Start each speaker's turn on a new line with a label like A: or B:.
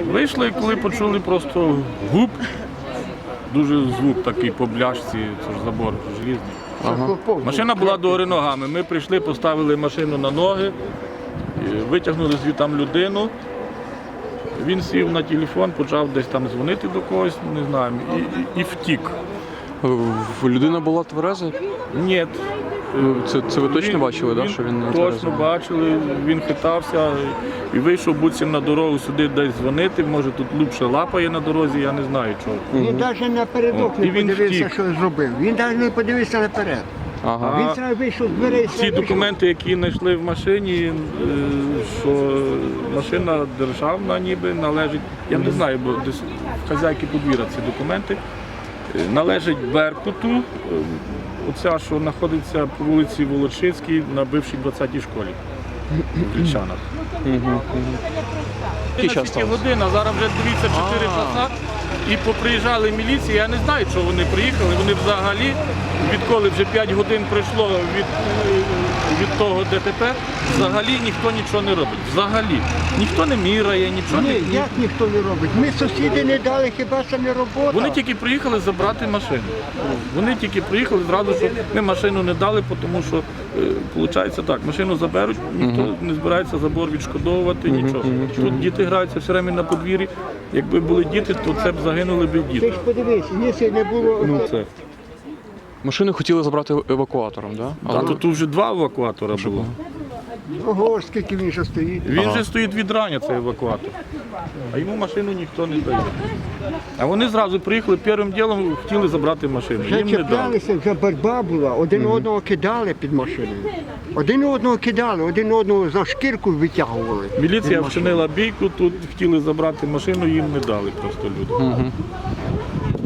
A: Вийшли, і коли почули просто гуп, дуже звук такий по бляшці, це ж забор желізний.
B: Ага.
A: Машина була догори ногами. Ми прийшли, поставили машину на ноги, витягнули звідти людину. Він сів на телефон, почав десь там дзвонити до когось, не знаю, і втік.
B: Людина була твереза?
A: Ні.
B: Це ви точно бачили, так? Що він не
A: точно
B: тверезий?
A: бачили, він хитався і вийшов буцім на дорогу сюди десь дзвонити, може тут лупше лапає на дорозі, я не знаю чого.
C: Він навіть напередок не
A: І він
C: подивився,
A: втік.
C: що зробив. Він навіть не подивився наперед.
B: Ага.
C: Він зразу вийшов з дверей.
A: Ці документи, які знайшли в машині, що машина державна ніби належить, я не знаю, бо десь в хазяйки подвір'я ці документи, належить Беркуту, оця, що знаходиться по вулиці Волочицькій на бившій 20-й школі в Кричанах.
B: Який час
A: Тільки
B: сталося?
A: година, зараз вже дивіться 4 часа. І поприїжджали міліції, я не знаю, чого вони приїхали. Вони взагалі, відколи вже 5 годин пройшло від того ДТП, взагалі ніхто нічого не робить. Взагалі. Ніхто не міряє, нічого
C: Ні,
A: не...
C: як ніхто не робить? Ми сусіди не дали, хіба це не робота?
A: Вони тільки приїхали забрати машину. Вони тільки приїхали зразу, що ми машину не дали, тому що, виходить так, машину заберуть, ніхто не збирається забор відшкодовувати, нічого. Тут діти граються все время на подвір'ї. Якби були діти, то це б загинули б
C: Ти
A: діти.
C: ж подивись, якщо не було...
A: Ну це.
B: Машину хотіли забрати евакуатором, так?
A: А тут вже 2 евакуатора було.
C: Ого, скільки він ще стоїть.
A: Він вже стоїть від рання, цей евакуатор. А йому машину ніхто не дає. А вони зразу приїхали, першим ділом хотіли забрати машину.
C: Вже
A: Їм не дали.
C: чіплялися, вже боротьба була, один одного кидали під машиною. Один одного кидали, один одного за шкірку витягували.
A: Міліція вчинила бійку, тут хотіли забрати машину, їм не дали просто люди.